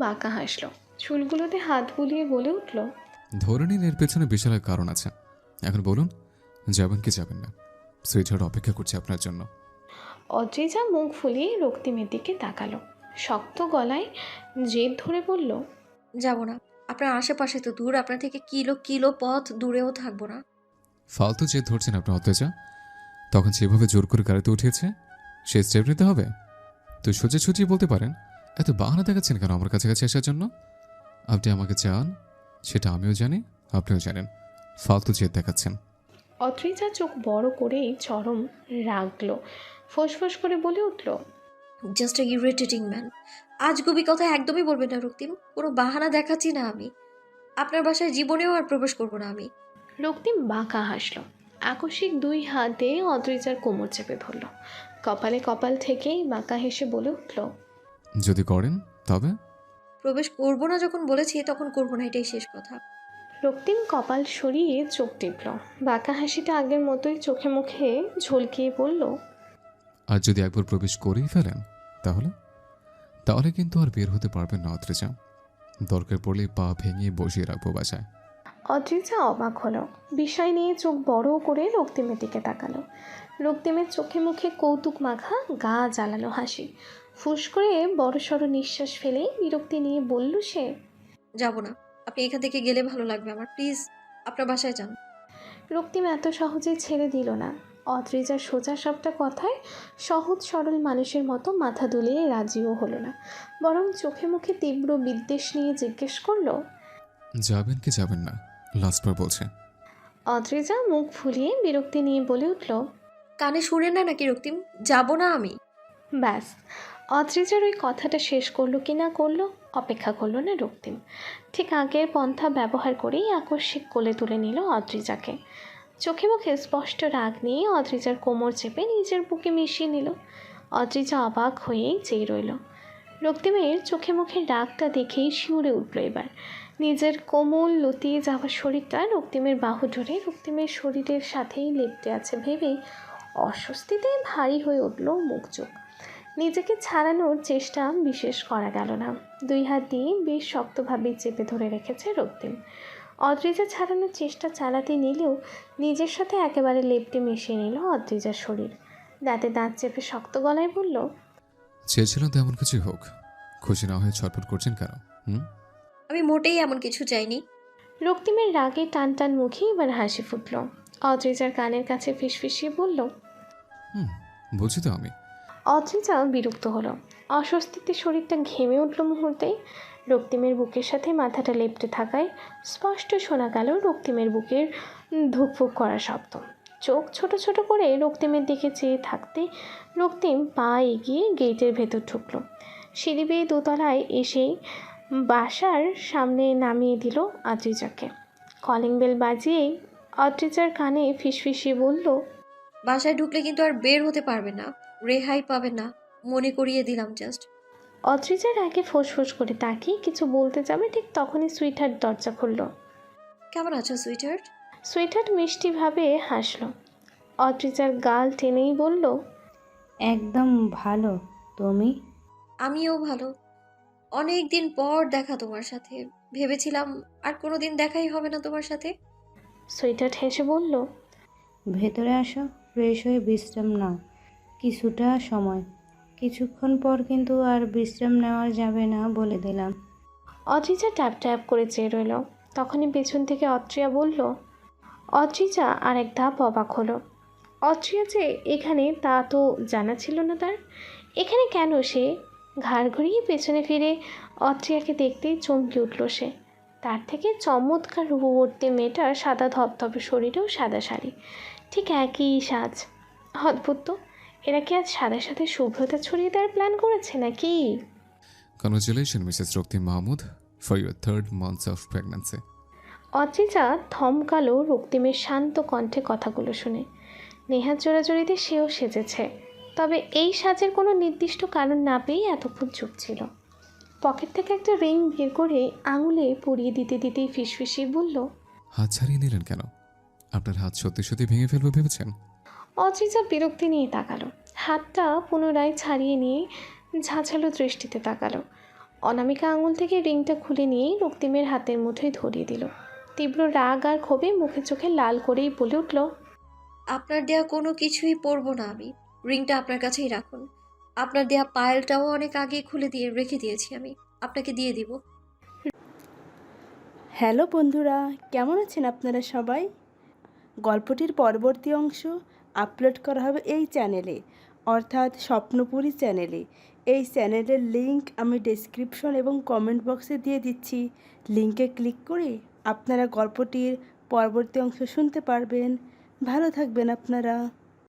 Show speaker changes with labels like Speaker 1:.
Speaker 1: বাঁকা হাসল, চুলগুলোতে হাত বুলিয়ে বলে উঠল,
Speaker 2: ধরে নিন এর পেছনে বিশাল এক কারণ আছে। এখন বলুন, যাবেন কি যাবেন না? সুইটহার্ট অপেক্ষা করছে আপনার জন্য।
Speaker 1: অদ্রিজা মুখ ফুলিয়ে রক্তিমের দিকে তাকালো, শক্ত গলায় জেদ ধরে বলল,
Speaker 3: যাব না। আপনার আশেপাশে তো দূর, আপনার থেকে কিলো কিলো পথ দূরেও থাকবো না।
Speaker 2: ফালতু যে ধরছেন আপনার অত্যাচার। তখন যেভাবে জোর করে গাড়িতে উঠিয়েছে, সে স্টেপ নিতে হবে তো সোজা সুজিয়ে বলতে পারেন। এত বাহানা দেখাচ্ছেন কেন আমার কাছাকাছি আসার জন্য? আপনি আমাকে চান, সেটা আমিও জানি, আপনিও জানেন। ফালতু জেদ দেখাচ্ছেন।
Speaker 1: অদ্রিজা চোখ বড় করেই চরম রাগলো, ফোঁস করে বলে উঠল,
Speaker 3: জাস্ট এ ইরিটেটিং ম্যান। আজগুবি কথা একদমই বলবেন না রক্তিম। কোনো বাহানা দেখাচ্ছি না আমি। আপনার বাসায় জীবনেও আর প্রবেশ করবো না আমি।
Speaker 1: রক্তিম বাঁকা হাসল, আকস্মিক দুই হাতে অদ্রিজার কোমর চেপে ধরল, কপালে কপাল থেকেই বাঁকা হেসে বলে উঠল,
Speaker 2: যদি করেন তবে?
Speaker 3: প্রবেশ করবো না যখন বলেছি তখন করবো না, এটাই শেষ কথা।
Speaker 1: রক্তিম কপাল সরিয়ে চোখ টিপল, বাঁকা হাসিটা আগের মতোই চোখে মুখে ঝলকিয়ে বলল,
Speaker 2: আর যদি একবার প্রবেশ করেই ফেলেন তাহলে তাহলে কিন্তু আর বের হতে পারবেন না অত্রিজা। দরকার পড়লে পা ভেঙে বসিয়ে রাখবো বাসায়।
Speaker 1: অদ্রিজা অবাক হলো, বিষয় নিয়ে চোখ বড় করে রক্তিমের দিকে তাকালো। রক্তিমের চোখে মুখে কৌতুক মাখা গা জ্বালানো হাসি, ফুস করে বড়সড় নিঃশ্বাস ফেলে বিরক্তি নিয়ে বলল সে,
Speaker 3: যাব না। আপনি এখান থেকে গেলে ভালো লাগবে আমার, প্লিজ আপনার বাসায় যান।
Speaker 1: রক্তিম এত সহজে ছেড়ে দিল না। অদ্রিজার সোজা সবটা কথায় সহজ সরল মানুষের মতো মাথা দুলিয়ে রাজিও হলো না, বরং চোখে মুখে তীব্র বিদ্বেষ নিয়ে জিজ্ঞেস করলো,
Speaker 2: যাবেন কি যাবেন না লাস্টবার বলছে।
Speaker 1: অদ্রিজা মুখ ফুলিয়ে বিরক্তি নিয়ে বলে উঠল,
Speaker 3: কানে শুনেন না নাকি রক্তিম? যাব না আমি।
Speaker 1: ব্যাস, অদ্রিজার ওই কথাটা শেষ করলো কি না করলো অপেক্ষা করলো না রক্তিম। ঠিক আগের পন্থা ব্যবহার করেই আকস্মিক কোলে তুলে নিল অদ্রিজাকে। চোখে মুখে স্পষ্ট রাগ নিয়ে অদ্রিজার কোমর চেপে নিজের বুকে মিশিয়ে নিল। অদ্রিজা অবাক হয়েই চেয়ে রইল। রক্তিমের চোখে মুখে রাগটা দেখেই শিউরে উঠল এবার। নিজের কোমল লতিয়ে যাওয়া শরীরটা রক্তিমের বাহু ধরে রক্তিমের শরীরের সাথেই লেপ্টে আছে ভেবেই অস্বস্তিতে ভারী হয়ে উঠল মুখ চোখ। নিজেকে ছাড়ানোর চেষ্টা বিশেষ করা গেল না, দুই হাত দিয়ে বেশ শক্তভাবে চেপে ধরে রেখেছে রক্তিম। অদ্রিজা ছাড়ানোর চেষ্টা চালাতে নিলেও নিজের সাথে একেবারে লেপ্টে মিশিয়ে নিল অদ্রিজার শরীর। দাঁতে দাঁত চেপে শক্ত গলায় বলল,
Speaker 2: চেয়েছিলাম তেমন কিছু হোক, খুশি না হয়ে ছটফট করছেন কেন?
Speaker 3: আমি মোটেই এমন কিছু চাইনি।
Speaker 1: রক্তিমের রাগে টান টান মুখে এবার হাসি ফুটল। অদ্রিজার কানের কাছে ফিসফিসিয়ে বলল,
Speaker 2: বলছি তো আমি।
Speaker 1: অদ্রিজা বিরক্ত হলো, অস্বস্তিতে শরীরটা ঘেমে উঠল মুহূর্তেই। রক্তিমের বুকের সাথে মাথাটা লেপ্টে থাকায় স্পষ্ট শোনা গেল রক্তিমের বুকের ধুকফুক করা শব্দ। চোখ ছোট ছোট করে রক্তিমের দিকে চেয়ে থাকতে রক্তিম পা এগিয়ে গেটের ভেতর ঢুকলো। সিঁড়ি বেয়ে দোতলায় এসেই বাসার সামনে নামিয়ে দিল অদ্রিজাকে। কলিং বেল বাজিয়েই অদ্রিজার কানে ফিসফিসিয়ে বলল,
Speaker 3: বাসায় ঢুকলে কিন্তু আর বের হতে পারবে না, রেহাই পাবে না, মনে করিয়ে দিলাম জাস্ট।
Speaker 1: অদ্রিজার আগে ফোঁস করে তাকিয়ে কিছু বলতে যাবে ঠিক তখনই সুইটহার্ট দরজা খুলল।
Speaker 3: কেমন আছো সুইটহার্ট?
Speaker 1: সুইটহার্ট মিষ্টিভাবে হাসল। অদ্রিজার গাল টেনেই বলল,
Speaker 4: একদম ভালো। তুমি?
Speaker 3: আমিও ভালো। অনেক দিন পর দেখা তোমার সাথে। ভেবেছিলাম আর কোনোদিন দেখাই হবে না তোমার সাথে।
Speaker 1: সুইটহার্ট হেসে বলল,
Speaker 4: ভেতরে আসো, ফ্রেশ হয়ে বিশ্রাম নাও কিছুটা সময়। কিছুক্ষণ পর কিন্তু আর বিশ্রাম নেওয়া যাবে না বলে দিলাম।
Speaker 1: অদ্রিজা ট্যাপ ট্যাপ করে চেয়ে রইল। তখনই পেছন থেকে অত্রিয়া বলল। অদ্রিজা আর এক ধাপ অবাক হলো। অত্রিয়া যে এখানে তা তো জানা ছিল না তার। এখানে কেন সে? ঘাড় ঘুরিয়ে পেছনে ফিরে অত্রিয়াকে দেখতেই চমকে উঠল সে। তার থেকে চমৎকার রূপবর্তী মেয়েটার সাদা ধবধবে শরীরেও সাদা শাড়ি, ঠিক একই সাজ। অদ্ভুত তো, এরা কি আজ সাদা সাথে শুভ্রতা ছড়িয়ে দেওয়ার প্ল্যান করেছে নাকি?
Speaker 2: Congratulation Mrs Raktim Mahmud for your 3rd month of pregnancy.
Speaker 1: Adrija থমকালো রক্তিমের শান্ত কণ্ঠে কথাগুলো শুনে। নেহাত জোড়াজড়িতে সেও সেজেছে, তবে এই সাজের কোনো নির্দিষ্ট কারণ না পেয়ে এতক্ষণ চুপ ছিল। পকেট থেকে একটা রিং বের করে আঙুলে পরিয়ে দিতে দিতেই ফিসফিসিয়ে বলল,
Speaker 2: হাত ছাড়িয়ে নিলেন কেন? আপনার হাত সত্যি সত্যি ভেঙে ফেলবে ভেবেছেন?
Speaker 1: অদ্রিজা বিরক্তি নিয়ে তাকালো, হাতটা পুনরায় ছাড়িয়ে নিয়ে ঝাঁঝালো দৃষ্টিতে তাকালো। অনামিকা আঙুল থেকে রিংটা খুলে নিয়েই রক্তিমের হাতের মুঠোয় ধরিয়ে দিল। তীব্র রাগ আর ক্ষোভে মুখে চোখে লাল করেই বলে উঠল,
Speaker 3: আপনার দেয়া কোনো কিছুই পরবো না আমি। রিংটা আপনার কাছেই রাখুন। আপনার দেয়া পায়েলটাও অনেক আগে খুলে দিয়ে রেখে দিয়েছি আমি। আপনাকে দিয়ে দিব।
Speaker 5: হ্যালো বন্ধুরা, কেমন আছেন আপনারা সবাই? গল্পটির পরবর্তী অংশ আপলোড করা হবে এই চ্যানেলে, অর্থাৎ স্বপ্নপুরী চ্যানেলে। এই চ্যানেলের লিংক আমি ডেসক্রিপশন এবং কমেন্ট বক্সে দিয়ে দিচ্ছি। লিংকে ক্লিক করে আপনারা গল্পটির পরবর্তী অংশ শুনতে পারবেন। ভালো থাকবেন আপনারা।